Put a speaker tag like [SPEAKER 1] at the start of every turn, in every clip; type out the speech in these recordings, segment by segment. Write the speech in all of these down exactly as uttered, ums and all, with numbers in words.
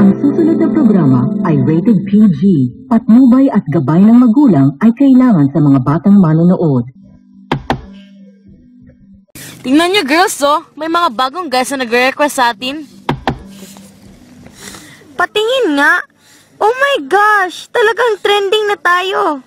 [SPEAKER 1] Ang susunod na programa ay rated P G. Patnubay at gabay ng magulang ay kailangan sa mga batang manonood.
[SPEAKER 2] Tingnan nyo girls, oh. May mga bagong guys na nagre-request sa atin.
[SPEAKER 3] Patingin nga. Oh my gosh! Talagang trending na tayo.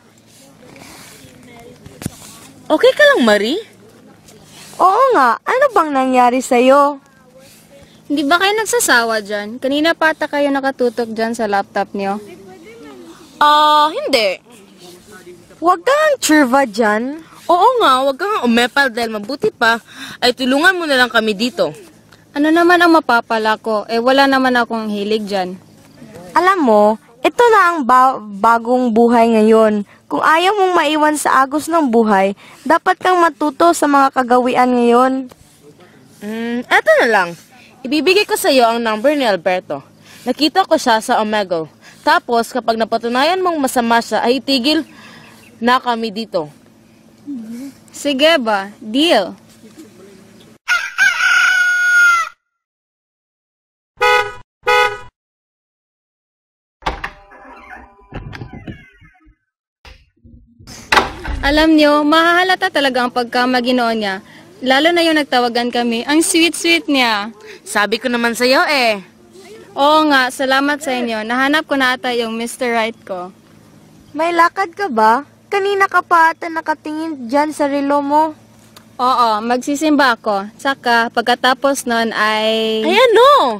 [SPEAKER 2] Okay ka lang, Marie?
[SPEAKER 3] Oo nga. Ano bang nangyari sa'yo?
[SPEAKER 4] Hindi ba kayo nagsasawa dyan? Kanina pa ata kayo nakatutok dyan sa laptop niyo.
[SPEAKER 2] Ah, uh, hindi.
[SPEAKER 3] Huwag kang churva dyan.
[SPEAKER 2] Oo nga, huwag kang umepal dahil mabuti pa ay tulungan mo na lang kami dito.
[SPEAKER 4] Ano naman ang mapapala ko? Eh wala naman akong hilig dyan.
[SPEAKER 3] Alam mo, ito na ang ba- bagong buhay ngayon. Kung ayaw mong maiwan sa agos ng buhay, dapat kang matuto sa mga kagawian ngayon.
[SPEAKER 2] Hmm, eto na lang. Ibibigay ko sa iyo ang number ni Alberto. Nakita ko siya sa Omegle. Tapos, kapag napatunayan mong masama siya, ay itigil na kami dito.
[SPEAKER 4] Sige ba? Deal. Alam niyo, mahahalata talaga ang pagkamaginoo niya. Lalo na yung nagtawagan kami. Ang sweet-sweet niya.
[SPEAKER 2] Sabi ko naman sa iyo eh.
[SPEAKER 4] Oo nga, salamat sa inyo. Nahanap ko na ata yung Mister Right ko.
[SPEAKER 3] May lakad ka ba? Kanina ka pa ata nakatingin dyan sa relo mo.
[SPEAKER 4] Oo, magsisimba ako. Saka, pagkatapos nun ay...
[SPEAKER 2] Ay ano?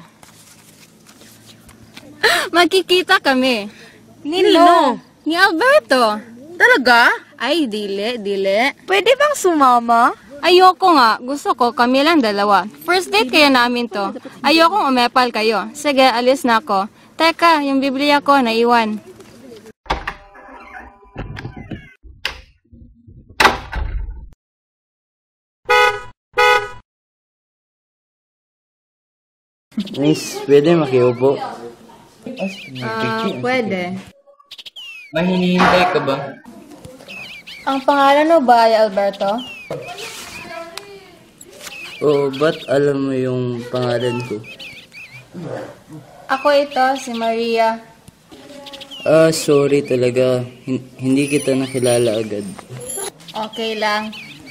[SPEAKER 4] Magkikita kami.
[SPEAKER 2] Nino?
[SPEAKER 4] Ni Alberto.
[SPEAKER 2] Talaga?
[SPEAKER 4] Ay, dili, dili.
[SPEAKER 3] Pwede bang sumama?
[SPEAKER 4] Ayoko nga. Gusto ko, kami lang dalawa. First date kaya namin to. Ayokong umepal kayo. Sige, alis na ako. Teka, yung Biblia ko, naiwan.
[SPEAKER 5] Miss, pwede makiupo?
[SPEAKER 4] Ah, uh, pwede.
[SPEAKER 5] May hinihintay ka ba?
[SPEAKER 4] Ang pangalan mo ba ay Alberto?
[SPEAKER 5] Oo, ba't alam mo yung pangalan ko?
[SPEAKER 4] Ako ito, si Maria.
[SPEAKER 5] Ah, sorry talaga. Hin- hindi kita nakilala agad.
[SPEAKER 4] Okay lang.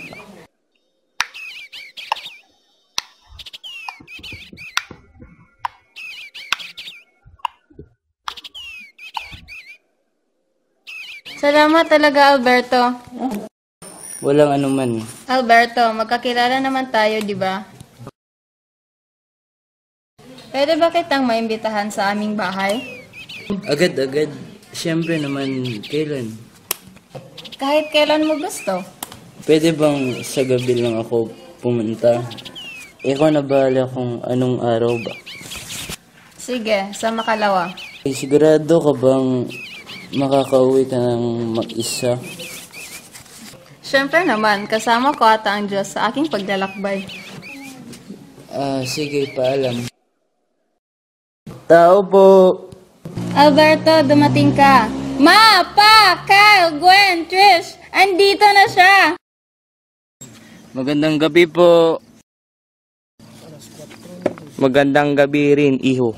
[SPEAKER 4] Salamat talaga, Alberto.
[SPEAKER 5] Walang anuman.
[SPEAKER 4] Alberto, magkakilala naman tayo, di ba? Pwede ba kitang maimbitahan sa aming bahay?
[SPEAKER 5] Agad-agad. Siyempre naman, kailan?
[SPEAKER 4] Kahit kailan mo gusto.
[SPEAKER 5] Pwede bang sa gabi lang ako pumunta? Ikaw na bahala kung anong araw ba?
[SPEAKER 4] Sige, sa makalawa.
[SPEAKER 5] Eh, sigurado ka bang makakauwi ka ng mag-isa?
[SPEAKER 4] Siyempre naman, kasama ko ata ang Diyos sa aking paglalakbay.
[SPEAKER 5] Ah, sige, paalam. Tao po!
[SPEAKER 4] Alberto, dumating ka. Ma, Pa, Kyle, Gwen, Trish, andito na siya.
[SPEAKER 5] Magandang gabi po. Magandang gabi rin, iho.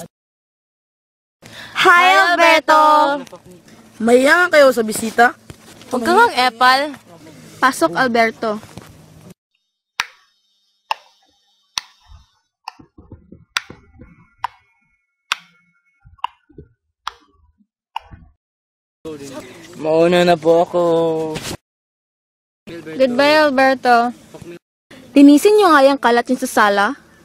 [SPEAKER 3] Hi, Alberto!
[SPEAKER 2] Mahiya kayo sa bisita? Huwag kang ang epal.
[SPEAKER 4] Pasok, Alberto.
[SPEAKER 5] Mauna na po ako.
[SPEAKER 4] Goodbye, Alberto.
[SPEAKER 3] Linisin niyo nga yung kalat niyo sa sala.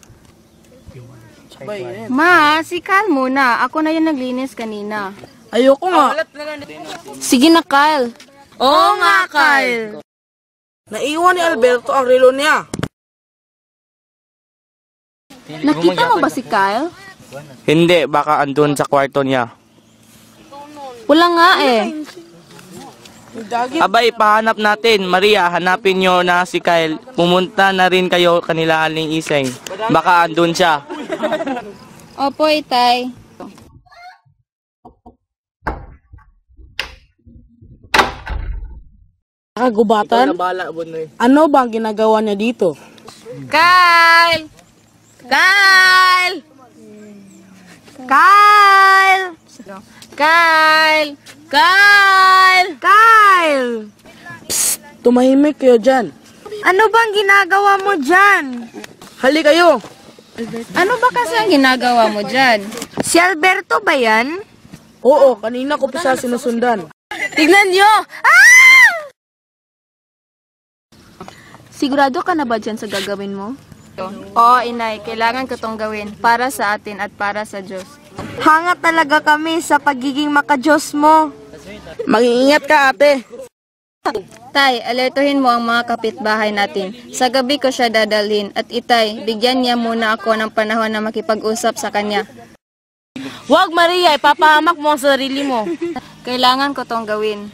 [SPEAKER 4] Ma, si Kyle muna. Ako na yung naglinis kanina.
[SPEAKER 2] Ayoko nga.
[SPEAKER 3] Sige na, Kyle.
[SPEAKER 2] Oo nga, Kyle. Naiwan ni Alberto ang relo niya.
[SPEAKER 3] Nakita mo ba si Kyle?
[SPEAKER 6] Hindi, baka andun sa kwarto niya.
[SPEAKER 3] Wala nga eh.
[SPEAKER 6] Abay, pahanap natin. Maria, hanapin nyo na si Kyle. Pumunta na rin kayo kanila Aling Iseng. Baka andun siya.
[SPEAKER 4] Opo, Itay.
[SPEAKER 2] Kagubatan? Ano bang ginagawa niya dito?
[SPEAKER 4] Kyle! Kyle!
[SPEAKER 3] Kyle!
[SPEAKER 2] Kyle! Kyle!
[SPEAKER 3] Kyle!
[SPEAKER 7] Tumahimik kayo dyan.
[SPEAKER 3] Ano bang ginagawa mo dyan?
[SPEAKER 7] Hali kayo.
[SPEAKER 4] Ano ba kasi ang ginagawa mo dyan?
[SPEAKER 3] Si Alberto ba yan?
[SPEAKER 7] Oo, kanina ko pa siya sinusundan.
[SPEAKER 2] Tignan nyo!
[SPEAKER 8] Sigurado ka na ba dyan sa gagawin mo?
[SPEAKER 4] Oo, inay, kailangan ko tong gawin para sa atin at para sa Diyos.
[SPEAKER 3] Hanga talaga kami sa pagiging makajos mo.
[SPEAKER 7] Mag-iingat ka, ate.
[SPEAKER 4] Tay, alertuhin mo ang mga kapitbahay natin. Sa gabi ko siya dadalhin at itay, bigyan niya muna ako ng panahon na makipag-usap sa kanya.
[SPEAKER 2] Wag, Maria, ipapahamak mo ang sarili mo.
[SPEAKER 4] Kailangan ko tong gawin.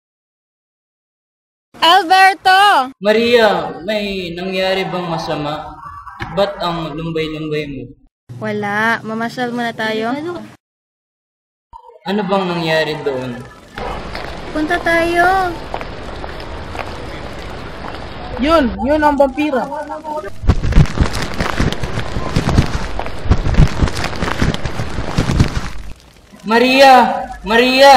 [SPEAKER 4] Alberto!
[SPEAKER 5] Maria, may nangyari bang masama? Ba't ang lumbay-lumbay mo?
[SPEAKER 4] Wala, mamasyal muna tayo.
[SPEAKER 5] Ano bang nangyari doon?
[SPEAKER 4] Punta tayo.
[SPEAKER 7] Yun, yun ang vampira.
[SPEAKER 5] Maria! Maria!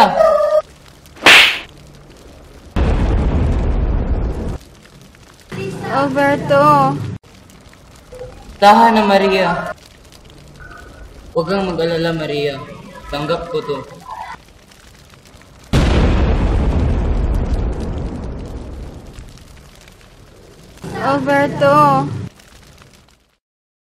[SPEAKER 4] Alberto!
[SPEAKER 5] Tahan na, Maria. Huwag kang mag-alala, Maria. Tanggap ko to.
[SPEAKER 4] Alberto!